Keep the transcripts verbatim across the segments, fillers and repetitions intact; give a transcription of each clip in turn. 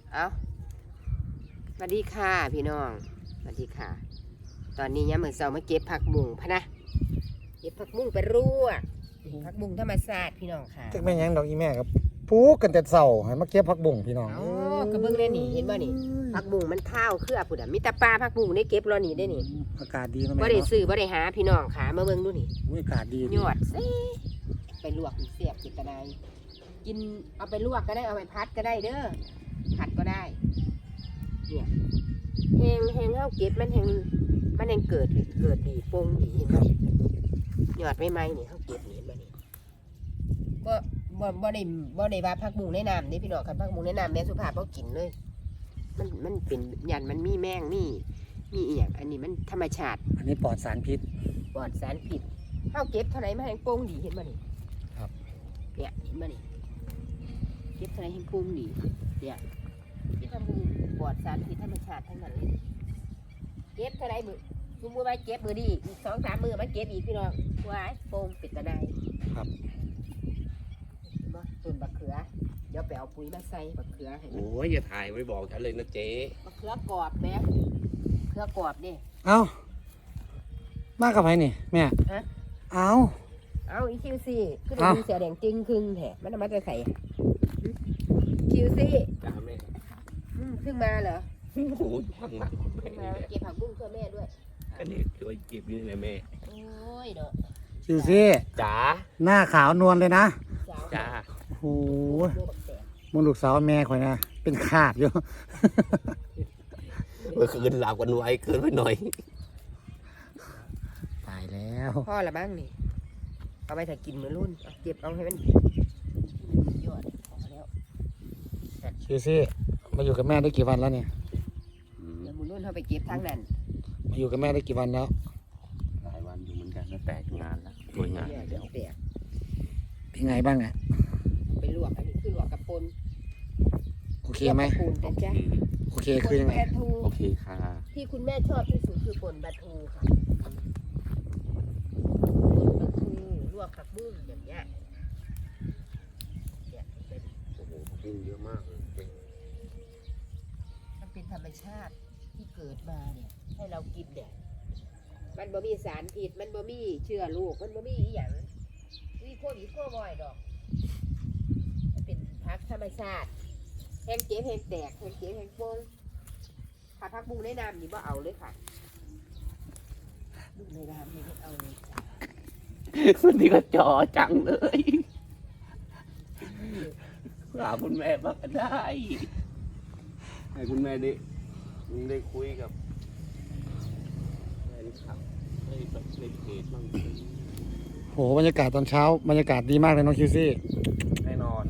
เอาสวัสดีค่ะพี่น้องสวัสดีค่ะ ตอนนี้ยามมื้อเช้ามาเก็บผักบุ้งพะนะเก็บผักบุ้งไปรวกผักบุ้งธรรมชาติพี่น้องค่ะจักแม่ยังดอกอีแม่ครับปลูกกันแต่เช้าให้มาเก็บผักบุ้งพี่น้องอ๋อกระเบื้องได้นี่เห็นบ่นี่ผักบุ้งมันเท่าเครือพุ่นน่ะมีแต่ปลาผักบุ้งได้เก็บรอนี่ได้นี่อากาศดีนะแม่บ่ได้เนาะซื้อบ่ได้หาพี่น้องค่ะมาเบิ่งดูนี่อุ๊ยอากาศดียอดซิไปลวกเสียบกินก็ได้กินเอาไปลวกก็ได้เอาไปพัดก็ได้เด้อผัดก็ได้เนี่ยแหงแหงเฮาเก็บมันแหงมันแหงเกิดเกิดดีโป่งดีเห็นบ่ยอดใหม่ๆนี่เฮาเก็บนี่เห็นบ่นี่บ่บ่บ่ได้บ่ได้ว่าผักบุ้งในน้ำนี่พี่น้องคันผักบุ้งในน้ำแม่สุภาพบ่กินเลย มันมันเป็นยันมันมีแมงมีมีอีหยังอันนี้มันธรรมชาติอันนี้ปลอดสารพิษปลอดสารพิษเฮาเก็บเท่าไหร่มาแหงโป่งดีเห็นบ่นี่ครับเนี่ยเห็นบ่นี่เก็บเท่าไหร่แหงโป่งดีเนี่ยที่ทำบุ้งปลอดสารพิษธรรมชาติทั้งนั้นเลยเก็บเท่าไหร่มื้อสมมุติว่าเก็บมื้อนี้อีก สองสาม มื้อมาเก็บอีกพี่น้องว้ายโป่งเป็ดตะไดครับเห็นบ่ต้นบักเขือเดี๋ยวไปเอาปุ๋ยมาใส่บักเขือให้มันโอ้ยอย่าถ่ายไว้บอกฉันเลยนะเจ๊บักเขือกรอบแม่เขือกรอบนี่เอ้ามากับไผนี่แม่ฮะเอ้าเอาอีคิวซี่คือได้เอ้ายินเสียงแดงจริงครึ่งแท้มันเอามาจะใส่คิวซี่จ้าแม่อืมเพิ่งมาเหรอโอ้โหข้างหลังแม่เพิ่งมานี่แหละเก็บผักบุ้งเพื่อแม่ด้วยอันนี้ช่วยเก็บนี่แหละแม่โอ้ยเนาะชิวซี่จ๋าหน้าขาวนวลเลยนะสาวจ้าโอ้โหโอ้บักแตกมึงลูกสาวแม่ข่อยนะเป็นขาดอยู่เมื่อคืนหลับกันไว้เกินไปหน่อยตายแล้วพ่อละบ้างนี่เอาไปถ้ากินมื้อรุ่นเอาเก็บเอาให้มันยอดออกมาแล้วชิวซี่มาอยู่กับแม่ได้กี่วันแล้วเนี่ยเดี๋ยวมื้อรุ่นเขาไปเก็บทางนั้นมาอยู่กับแม่ได้กี่วันแล้วหลายวันอยู่เหมือนกันแล้วแตกงานแล้วตัวยงานเนี่ยเดี๋ยวแตกเป็นไงบ้างอะไปลวกอันนี้คือลวกกับปนโอเคไหมลวกกับปูนแต่จ้ะโอเคคือยังไงปนปลาทูโอเคค่ะที่คุณแม่ชอบที่สุดคือปนปลาทูค่ะปนปลาทูลวกผักบุ้งอย่างเงี้ยเนี่ยเป็นโอ้โหกินเยอะมากเลยเจ๊มันเป็นธรรมชาติที่เกิดมาเนี่ยให้เรากินเนี่ยมันบ่มีสารพิษมันบ่มีเชื้อโรคมันบ่มีอีหยังมีโควิดโควอยดอกมันเป็นพักธรรมชาติแห้งเจ็บแห้งแตกแห้งเจ็บแห้งโป่งถ้าพักบุ้งในน้ำนี่บ่เอาเลยค่ะบุ้งในน้ำนี่ไม่เอาเลยจ้ะวันนี้ก็จอจังเลยหาคุณแม่บ้างก็ได้ ให้คุณแม่ได้ได้คุยกับแฟนคลับได้แบบในเพจบ้างโหบรรยากาศตอนเช้าบรรยากาศดีมากเลยน้องคิวซี่แน่นอน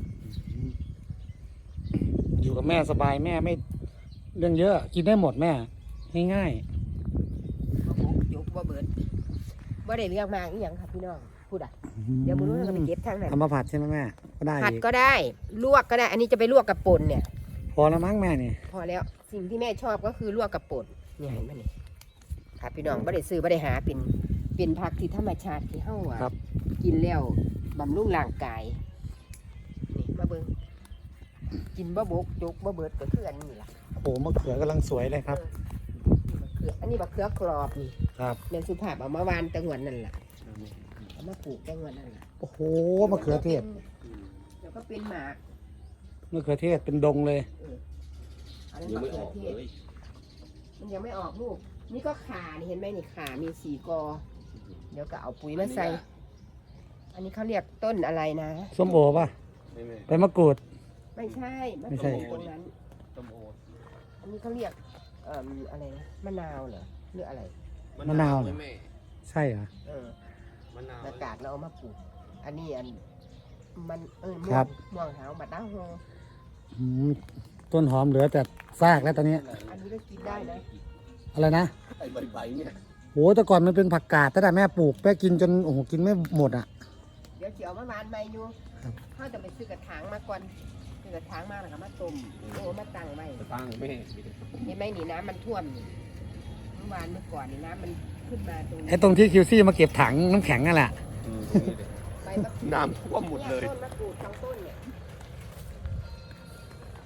อยู่กับแม่สบายแม่ไม่เรื่องเยอะกินได้หมดแม่ง่ายบ่บุกจุกบ่เบิดบ่ได้เรื่องมากอีหยังค่ะพี่น้องพูดอ่ะๆเดี๋ยวมื้อนู้นเราก็ไปเก็บทางนั้นทำมาผัดใช่ไหมแม่ก็ได้ผัดอีกก็ได้ลวกก็ได้ อันนี้จะไปลวกกับป่นเนี่ยพอแล้วมั้งแม่นี่พอแล้วสิ่งที่แม่ชอบก็คือลวกกับป่นเนี่ยเห็นไหมนี่ค่ะพี่น้องบ่ได้ซื้อบ่ได้หาเป็นเป็นผักที่ธรรมชาติที่เฮาอ่ะครับกินแล้วบำรุงร่างกายนี่มาเบิ่งกินบ่บกจุกบ่เบิดก็คืออันนี้ล่ะโอ้มะเขือกำลังสวยเลยครับเออนี่มะเขืออันนี้บักเขือกรอบนี่ครับแม่สุภาพเอามาวานแตะงวนนั่นล่ะเอามาปลูกแตะงวนนั่นล่ะโอ้โหมะเขือเทศแล้วก็เป็นหมากมะเขือเทศเป็นดงเลยอันนั้นยังมะไม่เขือออกเทเลศยมันยังไม่ออกลูก นี่ก็ขานี่เห็นไหมนี่ขามีสี่กอ เดี๋ยวก็เอาปุ๋ยมาใส่ อันนี้เขาเรียกต้นอะไรนะส้มโอป่ะไม่ไม่ใบมะกรูดไม่ใช่มะไม่กใช่รูดตรงนั้นต้มโออันนี้เขาเรียกเอ่ออะไรนะมะนาวเหรอหรืออะไรมะนาวเหรอแม่ใช่เหรอเออมะนาวอากาศเราเอามาปลูก อันนี้อันมันเออม่คว รังบม่วงหาวบัดดาโฮอืมต้นหอมเหลือแต่ซากแล้วตอนนี้อันนี้ก็กินได้นะอะไรนะไอ้ใบๆเนี่ยโหแต่ก่อนมันเป็นผักกาดแต่แต่แม่ปลูกแม่กินจนโอ้โหกินไม่หมดอ่ะเดี๋ยวเจียวมะมานใบอยู่ครับเขาจะไปซื้อกระถางมาก่อนซื้อกระถางมาแล้วก็มาต้มโอ้มาตั้งไว้จะตั้งแม่เห็นไหมนี่น้ำมันท่วมนี่เมื่อวานเมื่อก่อนนี่น้ำมันขึ้นมาตรงนี้ไอ้ตรงที่คิวซี่มาเก็บถังน้ำแข็งนั่นแหละอืมใบมะกรูดน้ำท่วมหมดเลยนี่ต้นมะกรูดทั้งต้นเนี่ย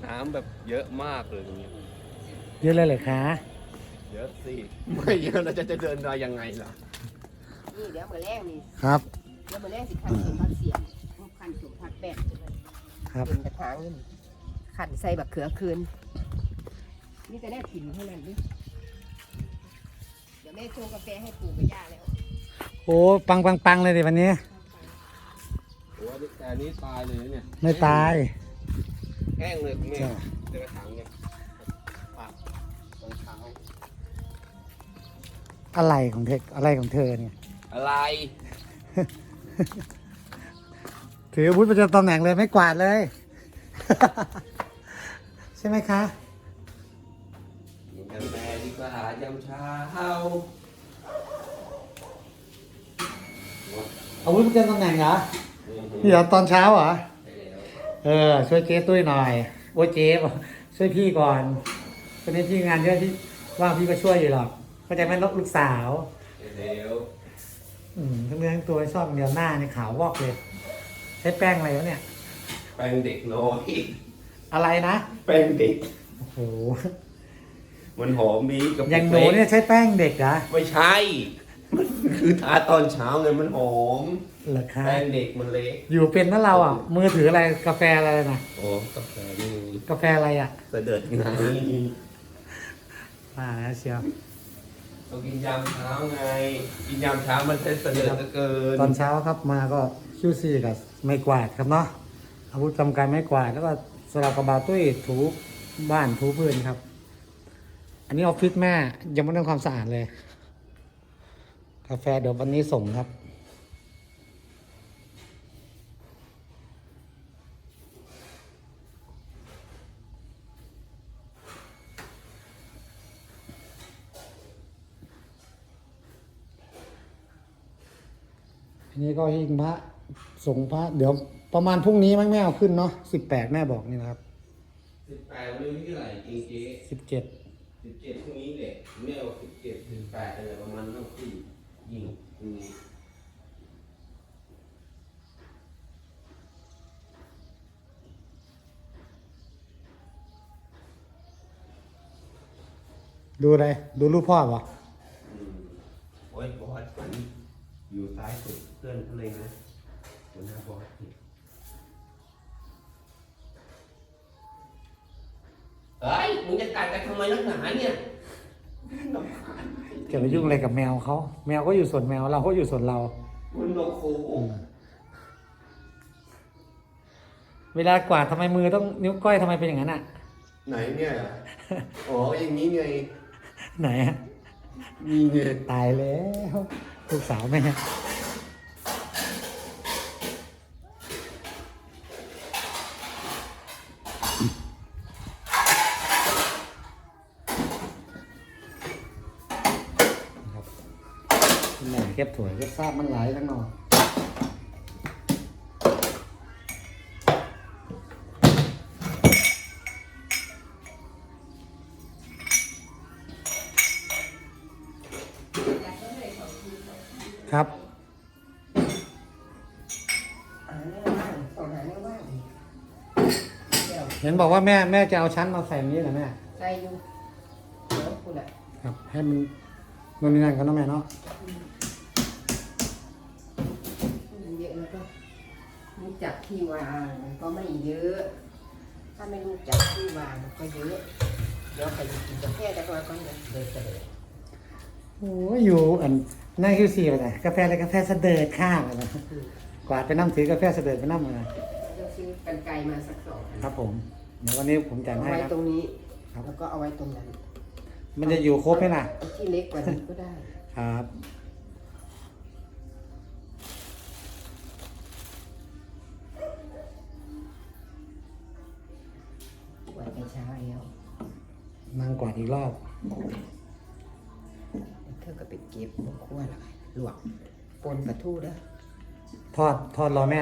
น้ำแบบเยอะมากเลยตรงนี้เยอะเลยเหรอคะเยอะสิ ไม่เยอะแล้วจะจะเดินมายังไงล่ะนี่เดี๋ยวมือแรกนี่ครับเดี๋ยวมือแรกสิขันสมพักเสียงขันสมพักแปดครับเป็นกระถางนี่ขันใส่บักเขือคืนนี่จะได้กินเท่านั้นดิเดี๋ยวแม่ชงกาแฟให้ปู่กับย่าแล้วโอ้ปังปังปังเลยดิวันนี้โอ้แต่อันนี้ตายเลยนะเนี่ยไม่ตายแห้งเลยคุณแม่ใช่เจอกระถางเนี่ยปักตอนเช้าอะไรของเธออะไรของเธอเนี่ยอะไรถืออาวุธประจำตำแหน่งเลยไม่กวาดเลย ใช่ไหมคะกินกาแฟดีกว่ายามเช้าอาวุธประจำตำแหน่งเหรอนี่เหรอตอนเช้าเหรอ เออช่วยเจ๊ตุ้ยหน่อยโอ้ยเจ๊บอกช่วยพี่ก่อนตอนนี้พี่งานเยอะที่ว่างพี่ก็ช่วยอยู่หรอกเข้าใจไหมลูกสาวเร็วอืมทั้งเนื้อทั้งตัวชอบเดียวหน้าในขาววอกเลย ใช้แป้งอะไรวะเนี่ยแป้งเด็กน้อยอะไรนะแป้งเด็กโอ้โหมันหอมมีกับอย่างหนูเนี่ยใช้แป้งเด็กเหรอไม่ใช่ มันคือทาตอนเช้าไงมันหอมเหรอคะแป้งเด็กมันเล็กอยู่เป็นนั่นเราอ่ะ มือถืออะไรกาแฟอะไรนะโอ้กาแฟนี่กาแฟอะไรอ่ะเสด็จไงอ่าเชียวต้องกินยามเช้าไง กินยามเช้ามันจะเสด็จเหลือเกินตอนเช้าครับมาก็คิวซีกับไม้กวาดครับเนาะอาวุธจำการไม้กวาดแล้วก็สลับกระบาตุ้ยถูบ้านถูพื้นครับ อันนี้ออฟฟิศแม่ยังไม่ทำความสะอาดเลย กาแฟเดี๋ยววันนี้ส่งครับ อันนี้ก็หิ้งพระส่งพระเดี๋ยวประมาณพรุ่งนี้มั้งแม่เอาขึ้นเนาะสิบแปดแม่บอกนี่นะครับสิบแปดวันนี้ที่เท่าไหร่จริงเจ๊สิบเจ็ดสิบเจ็ดพรุ่งนี้แหละแม่เอาสิบเจ็ดสิบแปดอะไรประมาณนั้นที่ยิงพรุ่งนี้ดูอะไรดูรูปพ่อป่ะอืมโอ้ยบอสฝันอยู่ซ้ายสุดเพื่อนเขาเลยนะหัวหน้าบอสนี่เฮ้ยมึงจะกัดกันทำไมนักหนาเนี่ยรำคาญจะไปยุ่งอะไรกับแมวเขาแมวก็อยู่ส่วนแมวเราก็อยู่ส่วนเรามันโนโคเวลากวาดทำไมมือต้องนิ้วก้อยทำไมเป็นอย่างนั้นอ่ะไหนเนี่ยอ๋ออย่างนี้ไงไหนอะมีไงตายแล้วลูกสาวแม่ครับแม่เก็บถั่วเก็บซาบมันไหลทั้งนอกครับหาเนื้อว่างต้องหาเนื้อว่างเดี๋ยวเห็นบอกว่าแม่แม่จะเอาชั้นมาใส่นี้เหรอแม่ใส่อยู่เดี๋ยวคุณอ่ะครับ ให้มันมันนี่นั่นกันเนาะแม่เนาะเยอะแล้วก็รู้จักที่วางมันก็ไม่เยอะ ถ้าไม่รู้จักที่วางมันก็เยอะเดี๋ยวใครจะกินกาแฟแต่ก่อนก่อนนะเดินเสด็จโอ้ยอยู่อันนั่งคิวซีไปไหนกาแฟอะไรกาแฟเสดิร์ดข้างอะไรนะกวาดไปน้ำถือกาแฟเสดิร์ดไปน้ำอะไรจะซื้อกันไกลมาสักสองอันครับผมเดี๋ยววันนี้ผมจัดเอาให้ไว้ครับตรงนี้ครับแล้วก็เอาไว้ตรงนั้นมันจะอยู่ครบไหมล่ะเอาที่เล็กกว่านี้ก็ได้ครับไว้แต่เช้าแล้วนั่งกวาดอีกรอบเธอก็ไปเก็บบนขั้วละลวกปนปลาทูเด้อทอดทอดรอแม่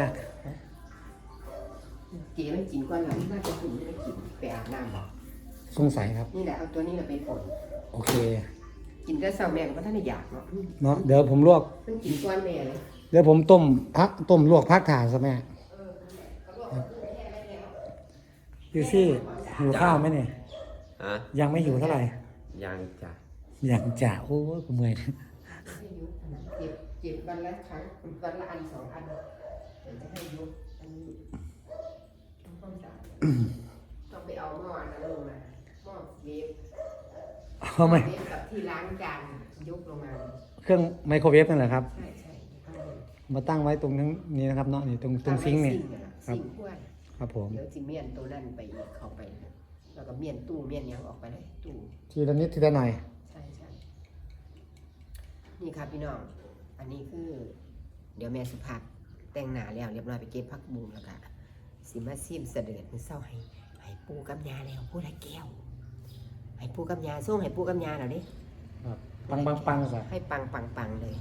เก๋มันกินก้อนหลังน่าจะกินไม่ได้กินไปอาบน้ำบอกสงสัยครับนี่แหละเอาตัวนี้เราไปปนโอเคกินก็เศร้าแม่ก็ท่านได้อยากเนาะเนาะเดี๋ยวผมลวกมันกินก้อนแม่เลยเดี๋ยวผมต้มพักต้มลวกพักถ่านซะแม่เออเขาบอกว่าแค่ได้แล้วคิวซี่หิวข้าวไหมเนี่ยฮะยังไม่หิวเท่าไหร่ยังจ้ะยังจะโอ้ยกูเมื่อยให้ยุบเก็บเก็บวันละครั้งวันละอันสองอันเดี๋ยวจะให้ยุบอันนี้ทำความสะอาดต้องไปเอาหม้อนั้นลงมาหม้อเวฟเอาไหมเวฟกับที่ล้างจานยกลงมาเครื่องไมโครเวฟนั่นแหละครับใช่ใช่ข้างบนมาตั้งไว้ตรงนั้นนี้นะครับเนาะนี่ตรงตรงซิงค์เนี่ย ครัซิบงค์ขั้วน่ะครับผมเดี๋ยวจิเมียนตัวนั่นไปอีกเข้าไป แล้วก็เมียนตู้เมียนหยังออกไปเลยตู้ทีละนิดทีละหน่อยใช่ใช่นี่ครับพี่น้อง อันนี้คือ เดี๋ยวแม่สุภาพแต่งหน้าแล้วเรียบร้อยไปเก็บผักบุ้งแล้วก็สิมาซิมเสด็จมือเศร้าให้ให้ปูกับยาแล้วพูดให้แก้วให้ปูกับยาส่งให้ปูกับยาแล้วดิครับปังปังปังสะให้ปังปังปังเลย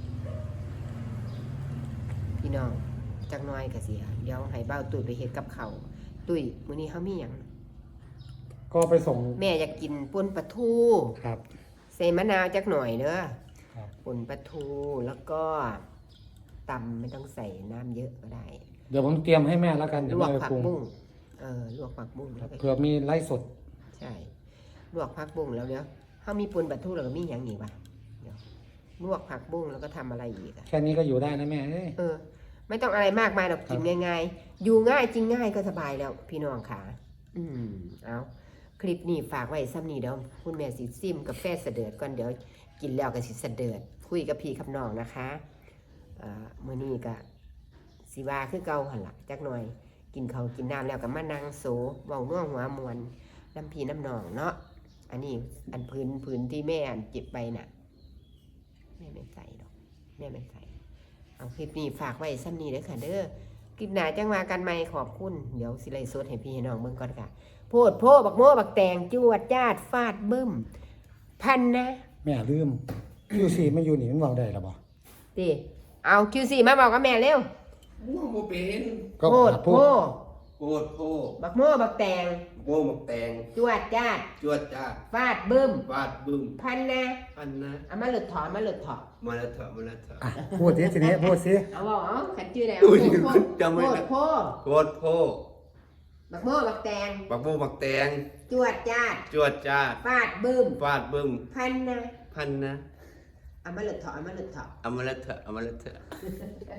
พี่น้องจักหน้อยกะเสียเดี๋ยวให้เบ้าตุ้ยไปเฮ็ดกับเขาวตุ้ยมื้อนี้เฮามีหยังก็ไปส่งแม่อยากกินป่นปลาทูครับใส่มะนาวจักหน่อยเด้อครับป่นปลาทูแล้วก็ตำไม่ต้องใส่น้ำเยอะก็ได้เดี๋ยวผมเตรียมให้แม่แล้วกันลเดี๋ยววกแม่ไปผักปรุงบุ้งเออลวกผักบุ้งแล้วก็เผื่อมีไล่สดใช่ลวกผักบุ้งแล้วเดี๋ยวเฮามีป่นปลาทูแล้วก็มีหยังอีกวะเดี๋ยวลวกผักบุ้งแล้วก็ทำอะไรอีกอะแค่นี้ก็อยู่ได้นะแม่เอ้ยเออ ไม่ต้องอะไรมากมายหรอกกินง่ายๆ อยู่ง่ายจริงง่ายก็สบายแล้วพี่น้องค่ะอืมเอาคลิปนี้ฝากไว้ซ้ำนี้เดี๋ยวคุณแม่สิซิมกาแฟเสด็จก่อนเดี๋ยวกินแล้วก็สิเสด็จคุยกับพี่กับน้องนะคะอ่ามื้อนี้ก็สิว่าคือเก่าหั่นล่ะจักหน่อย กินเขาวกินน้ำแล้วก็มานั่งโซเว้าน่วงหัวมวนน้ำพี่น้ำน้องเนาะอันนี้อันพื้นพื้นที่แม่อันเจ็บไปน่ะแม่ไม่ใส่ดอกแม่ไม่ใส่ เอาคลิปนี้ฝากไว้ซ้ำนี้เด้อค่ะเด้อคลิปหน้าจังว่ากันใหม่ขอบคุณ เดี๋ยวสิไลฟ์สดให้พี่ให้น้องเบิ่งก่อนค่ะ โพดโพบักโม่บักแตงจวดจาดฟาดบึ้ม พันนะแม่ลืมคิวซีมันอยู่นี่มันเมาได้หรอบ่ติเอา คิว ซี มาบอกกับแม่เร็วม่วงบ่เป็นก็โพดหาโพพูดโคตรโพบักโม่บักแตงโม่หมกแตงจวดจาดจวดจ้าดฟาดบึ้มฟาดบึ้มพันนะอันนะเอามาหลุดถอนมาหลุดถอนมาแล้วเถอะมาแล้วเถอะอ่ะพูดสิทีนี้พูดสิเอาบอกเอาขันชื่ออะไรอุ้ยโพดจำไม่โพได้ดโพโคตรโพบักโม่บักแตงปักโม่หมักแตงจวดจาดจวดจ้าดฟาดบึ้มฟาดบึ้มพันนะพันนะเอามาหลุดถอนเอามาหลุดถอนเอามาแล้วเถอะเอามาแล้วเถอะ